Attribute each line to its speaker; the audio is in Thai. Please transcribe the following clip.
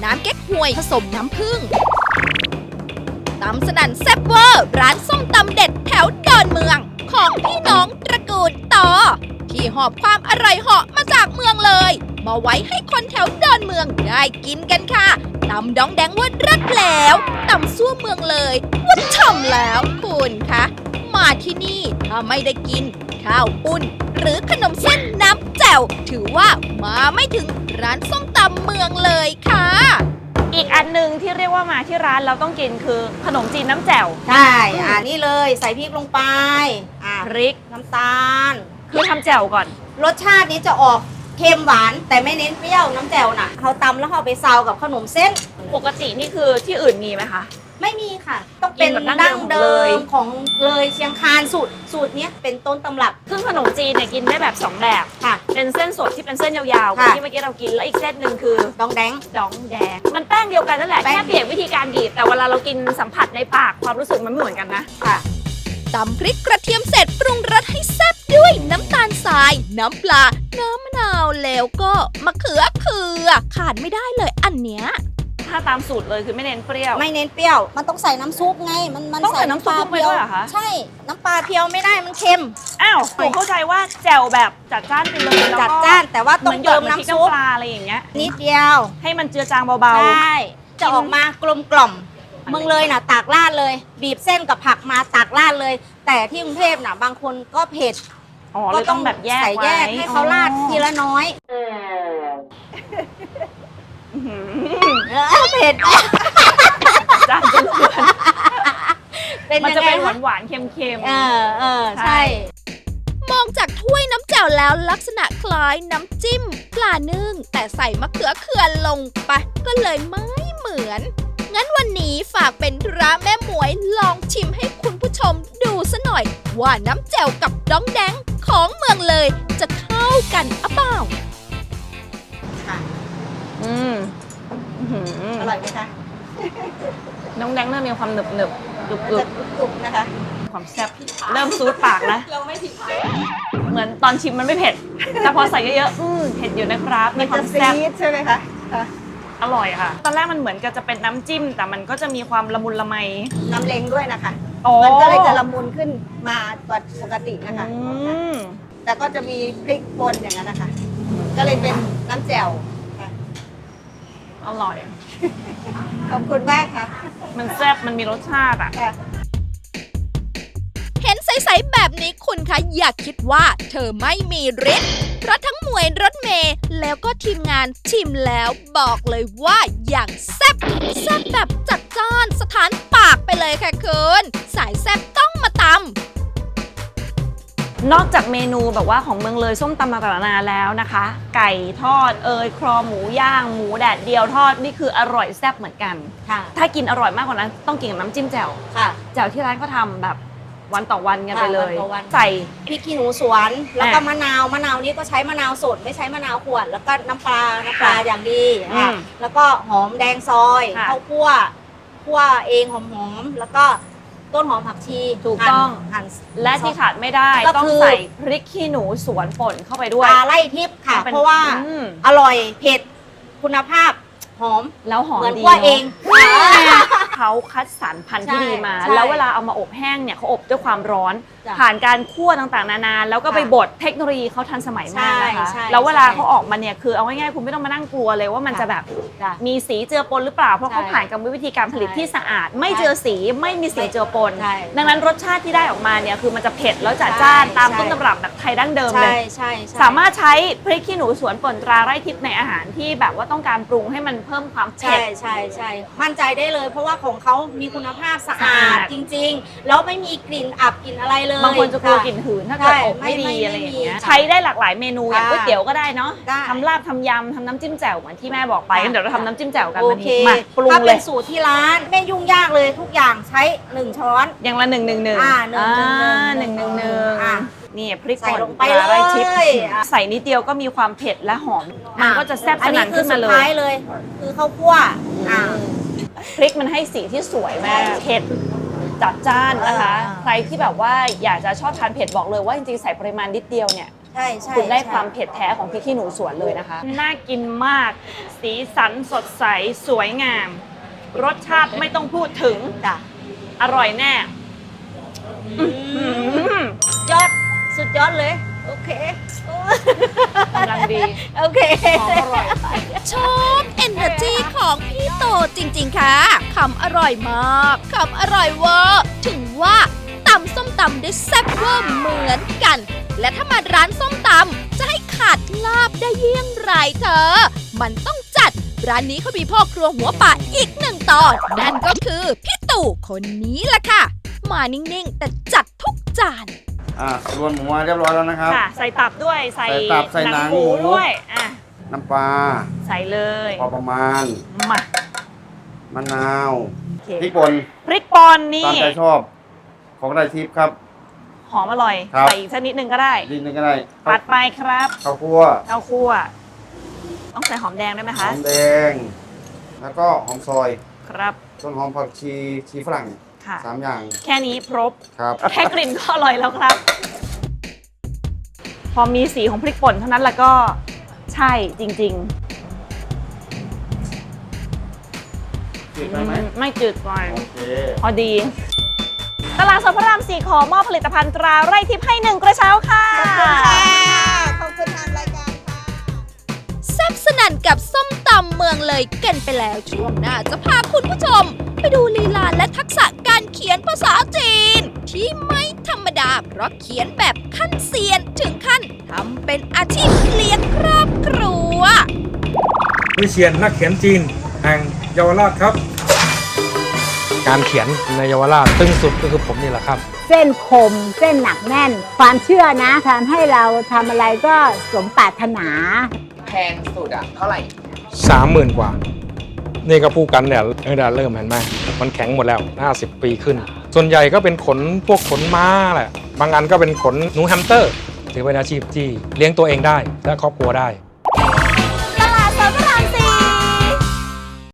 Speaker 1: น้ำเก๊กฮวยผสมน้ำผึ้งตำสนั่นแซ่บเวอร์ร้านส้มตำเด็ดแถวดอนเมืองของพี่น้องตระกูลต่อที่หอบความอร่อยเหาะมาจากเมืองเลยมาไว้ให้คนแถวดอนเมืองได้กินกันค่ะตำดองแดงว่ารัดแล้วตำซั่วเมืองเลยว่าฉ่ำแล้วคุณคะมาที่นี่ถ้าไม่ได้กินข้าวปุ้นหรือขนมเส้นน้ำแจ่วถือว่ามาไม่ถึงร้านส้มตำเมืองเลยค่ะ
Speaker 2: อีกอันหนึ่งที่เรียกว่ามาที่ร้านเราต้องกินคือขนมจีนน้ำแจ่ว
Speaker 3: ใช่นี่เลยใส่พริกลงไป
Speaker 2: พริก
Speaker 3: น้ำตาล
Speaker 2: คือทำแจ่วก่อน
Speaker 3: รสชาตินี้จะออกเค็มหวานแต่ไม่เน้นเปรี้ยวน้ำแจ่วน่ะเขาตำแล้วเขาไปซาวกับขนมเส้น
Speaker 2: ปกตินี่คือที่อื่นมีไหมคะ
Speaker 3: ไม่มีค่ะต้องเป็นดั้งเดิมของเลยเชียงคานสูตรนี้เป็นต้นตำรับ
Speaker 2: ซึ่งขนมจีนเนี่ยกินได้แบบ2แบบ
Speaker 3: ค่ะ
Speaker 2: เป็นเส้นสดที่เป็นเส้นยาวๆที่เมื่อกี้เรากินแล้วอีกเส้นหนึ่งคือ
Speaker 3: ดองแดง
Speaker 2: มันแป้งเดียวกันนั่นแหละแค่เปลี่ยนวิธีการบีบแต่เวลาเรากินสัมผัสในปากความรู้สึกมันไม่เหมือนกันนะ
Speaker 3: ค่ะ
Speaker 1: ตำพริกกระเทียมเสร็จปรุงรสให้แซ่บด้วยน้ำตาลทรายน้ำปลาน้ำมะนาวแล้วก็มะเขือขาดไม่ได้เลยอันเนี้ย
Speaker 2: ถ้าตามสูตรเลยคือไม่เน้นเปรี้ยว
Speaker 3: ไม่เน้นเปรี้ยวมันต้องใส่น้ำซุปไงมัน
Speaker 2: ต้องใส่น้ำซุปไปด้วยเหรอคะ
Speaker 3: ใช่น้ำปลาเพียวไม่ได้มันเค็ม
Speaker 2: อ้าวผมเข้าใจว่าแจ่วแบบจัดจ้านไปเลยแล้วก็
Speaker 3: จัดจ้านแต่ว่าต้องเติมน้ำซุป
Speaker 2: ปลาอะไรอย่างเงี้ย
Speaker 3: นิดเดียว
Speaker 2: ให้มันเจือจางเบา
Speaker 3: ๆใช่จะออกมากลมกล่อมเมืองเลยน่ะตากราดเลยบีบเส้นกับผักมาตากราดเลยแต่ที่กรุงเทพน่ะบางคนก็เผ็ด
Speaker 2: ก็ต้องแบบแยก
Speaker 3: ใส่แยกให้เขาราดทีละน้อยเผ็ด
Speaker 2: จานจนเกินมันจะเป็นหวานๆเค็ม
Speaker 3: ๆใช่
Speaker 1: มองจากถ้วยน้ำแจ่วแล้วลักษณะคล้ายน้ำจิ้มปลานึ่งแต่ใส่มะเขือเขื่อนลงไปก็เลยไม่เหมือนงั้นวันนี้ฝากเป็นธุระแม่หมวยลองชิมให้คุณผู้ชมดูซะหน่อยว่าน้ำแจ่วกับดองแดงของเมืองเลยจะเข้ากันอะเปล่า
Speaker 3: ค่ะอร่อยไหมคะ
Speaker 2: น้องแดงเริ่มมีความหนึบก
Speaker 3: รุบนะคะ
Speaker 2: ความแซ่บเริ่มซูดปากนะ
Speaker 3: เราไม่ผิด
Speaker 2: เหมือนตอนชิมมันไม่เผ็ดแต่พอใส่เยอะๆเผ็ดอยู่นะครับ
Speaker 3: มีความแซ่บใช่ไหมคะ
Speaker 2: อร่อยค่ะตอนแรกมันเหมือนกับจะเป็นน้ำจิ้มแต่มันก็จะมีความละมุนละไม
Speaker 3: น้ำเล้งด้วยนะคะมันก็เลยจะละมุนขึ้นมากว่าปกตินะคะแต่ก็จะมีพริกป่นอย่างนั้นนะคะก็เลยเป็นน้ำแจ่ว
Speaker 2: อร่อย
Speaker 3: ขอบคุณมากค่ะ
Speaker 2: มันแซ่บมันมีรสชาติอ่ะ
Speaker 1: เห็นใสๆแบบนี้คุณคะอย่าคิดว่าเธอไม่มีฤทธิ์เพราะทั้งหมวยรถเมย์แล้วก็ทีมงานชิมแล้วบอกเลยว่าอย่างแซ่บแบบจัดจ้านสถานปากไปเลยค่ะคุณสายแซ่บต้องมาตำ
Speaker 2: นอกจากเมนูแบบว่าของเมืองเลยส้มตำต่างๆนานาแล้วนะคะไก่ทอดครอหมูย่างหมูแดดเดียวทอดนี่คืออร่อยแซ่บเหมือนกันถ้ากินอร่อยมากกว่านั้นต้องกินกับน้ำจิ้มแจ่วแจ่วที่ร้านก็ทำแบบวันต่อวันกันไปเลยใส่
Speaker 3: พริกขี้หนูสวนแล้วก็มะนาวนี้ก็ใช้มะนาวสดไม่ใช้มะนาวขวดแล้วก็น้ำปลาอย่างดีแล้วก็หอมแดงซอยข้าวคั่วเองหอมแล้วก็ต้นหอมผักชี
Speaker 2: ถูกต้องและที่ขาดไม่ได้ต้องใส่พริกขี้หนูสวนป่นเข้าไปด้วย
Speaker 3: ปลาไล่ทิพย์ค่ะเพราะว่าอร่อยเผ็ดคุณภาพหอม
Speaker 2: แล้วหอม
Speaker 3: เหมือนคั่วเอง
Speaker 2: เขาคัดสรรพันธุ์ที่ดีมาแล้วเวลาเอามาอบแห้งเนี่ยเขาอบด้วยความร้อนผ่านการคั่วต่างๆนานาแล้วก็ไปบดเทคโนโลยีเขาทันสมัยมากนะคะแล้วเวลาเขาออกมาเนี่ยคือเอาง่ายๆคุณไม่ต้องมานั่งกลัวเลยว่ามันจะแบบมีสีเจือปนหรือเปล่าเพราะเขาผ่านกรรมวิธีการผลิตที่สะอาดไม่เจือสีไม่มีสีเจือปนดังนั้นรสชาติที่ได้ออกมาเนี่ยคือมันจะเผ็ดแล้วจัดจ้านตามต้นตำรับแบบไทยดั้งเดิมเลยสามารถใช้พริกขี้หนูสวนป่นตราไร่ทิพย์ในอาหารที่แบบว่าต้องการปรุงให้มันเพิ่มความเผ็ด
Speaker 3: ใช่มั่นใจได้เลยเพราะว่าของเขามีคุณภาพสะอาดจริงๆแล้วไม่มีกลิ่นอับกลิ่นอะไรเลย
Speaker 2: บางคนจะกลัวกลิ่นหืนถ้าเกิดอบไม่ดีอะไรอย่างเงี้ยใช้ได้หลากหลายเมนูอย่างก๋วยเตี๋ยวก็ได้เนาะทำลาบทำยำทำน้ำจิ้มแจ่วเหมือนที่แม่บอกไปงั้นเดี๋ยวเราทำน้ำจิ้มแจ่วกันวันนี้มาปรุงเลยถ้า
Speaker 3: เป็นสูตรที่ร้านไม่ยุ่งยากเลยทุกอย่างใช้1ช้อน
Speaker 2: อย่างละ1 1 1นี่พริกป่น
Speaker 3: ไปเลย
Speaker 2: ใส่นิดเดียวก็มีความเผ็ดและหอมมันก็จะแซ่บสนั่นขึ้นมา
Speaker 3: เลยคือข้าวคั่ว
Speaker 2: พริกมันให้สีที่สวยมากเผ็ดจัดจ้านนะคะใครที่แบบว่าอยากจะชอบทานเผ็ดบอกเลยว่าจริงๆใส่ปริมาณนิดเดียวเนี่ย
Speaker 3: ใช่ใช่
Speaker 2: คุณได้
Speaker 3: ใช่
Speaker 2: ความเผ็ดแท้ของพริกขี้หนูสวนเลยนะคะ น่ากินมาก สีสันสดใส สวยงาม รสชาติไม่ต้องพูดถึง
Speaker 3: จ้ะ
Speaker 2: อร่อยแน่
Speaker 3: ยอดสุดยอดเลย โอเค
Speaker 2: กำลังดี
Speaker 3: โอเค
Speaker 2: หอมอร่อย
Speaker 1: ชอบเอเนอร์จีของพี่โตจริงๆค่ะคำอร่อยมากคำอร่อยเวอร์ถึงว่าตำส้มตำได้แซ่บเวอร์เหมือนกัน และถ้ามาร้านส้มตำจะให้ขาดลาบได้เยี่ยงไรเธอ มันต้องจัด ร้านนี้เขามีพ่อครัวหัวป่าอีกหนึ่งตอนนั่นก็คือพี่ตู่คนนี้ล่ะค่ะ มานิ่งๆ แต่จัดทุกจาน
Speaker 4: รวนหมูมาเรียบร้อยแล้วนะครับ
Speaker 2: ค่ะ ใส่ตับด้วย ใส่
Speaker 4: ใส่ตับใส่หนังหมู
Speaker 2: ด้วยอ่ะ
Speaker 4: น้ำปลา
Speaker 2: ใส่เลย
Speaker 4: พอประมาณ
Speaker 2: มา
Speaker 4: มะนาว
Speaker 2: โอเค
Speaker 4: พริกป่น
Speaker 2: พริกป่นนี่
Speaker 4: ตามใจชอบของได้ทิพย์ครับ
Speaker 2: หอมอร่อย
Speaker 4: ครับ
Speaker 2: ใส่อีกสักนิดนึงก็ได้
Speaker 4: นิดนึงก็ได้
Speaker 2: ปัดไปครับ
Speaker 4: ข้าวคั่ว
Speaker 2: ข้าวคั่ว ต้องใส่หอมแดงด้วยไหม
Speaker 4: ห
Speaker 2: คะ
Speaker 4: อมแดง แล้วก็หอมซอย
Speaker 2: ครับ
Speaker 4: ต้นหอมผักชีฝรั่ง
Speaker 2: ค่ะ
Speaker 4: 3 อย่าง
Speaker 2: แค่นี้ครบ
Speaker 4: ครับ
Speaker 2: แค่กลิ่นก็อร่อยแล้วครับ พอมีสีของพริกป่นเท่านั้นแล้วก็ใช่จริง
Speaker 4: จืด
Speaker 2: ๆ
Speaker 4: ไปไหม
Speaker 2: ไม่จืดไป
Speaker 4: โอเค
Speaker 2: พอดี ตลาดสดพระราม 4 ขอมอบผลิตภัณฑ์ตราไร่ทิพย์ให้1 กระเช้าค่ะ
Speaker 3: ขอบคุณทางรายการค่ะ
Speaker 1: แซ่บสนั่นกับส้มตำเมืองเลยกันไปแล้วช่วงหน้าจะพาคุณผู้ชม ไปดูลีลาและทักษะการเขียนภาษาจีน ที่ไม่ธรรมดาเพราะเขียนแบบขั้นเซียนถึงขั้นทำเป็นอาชีพเลี้ยงครอบครัว
Speaker 5: วิเชียรนักเขียนจีนแห่งเยาวราชครับ การเขียนในเยาวราชตึงสุดก็คือผมนี่แหละครับ
Speaker 6: เส้นคมเส้นหนักแน่น ความเชื่อนะทำให้เราทำอะไรก็สมปรารถนา
Speaker 7: แพงสุดอะเท่าไหร่
Speaker 5: 30,000 กว่า นี่ก็พูดกันเนี่ยเริ่มเห็นไหมมันแข็งหมดแล้ว 50 ปีขึ้น ส่วนใหญ่ก็เป็นขนพวกขนม้าแหละ บางอันก็เป็นขนหนูแฮมสเตอร์ถือเป็นอาชีพที่เลี้ยงตัวเองได้และครอบครัวได้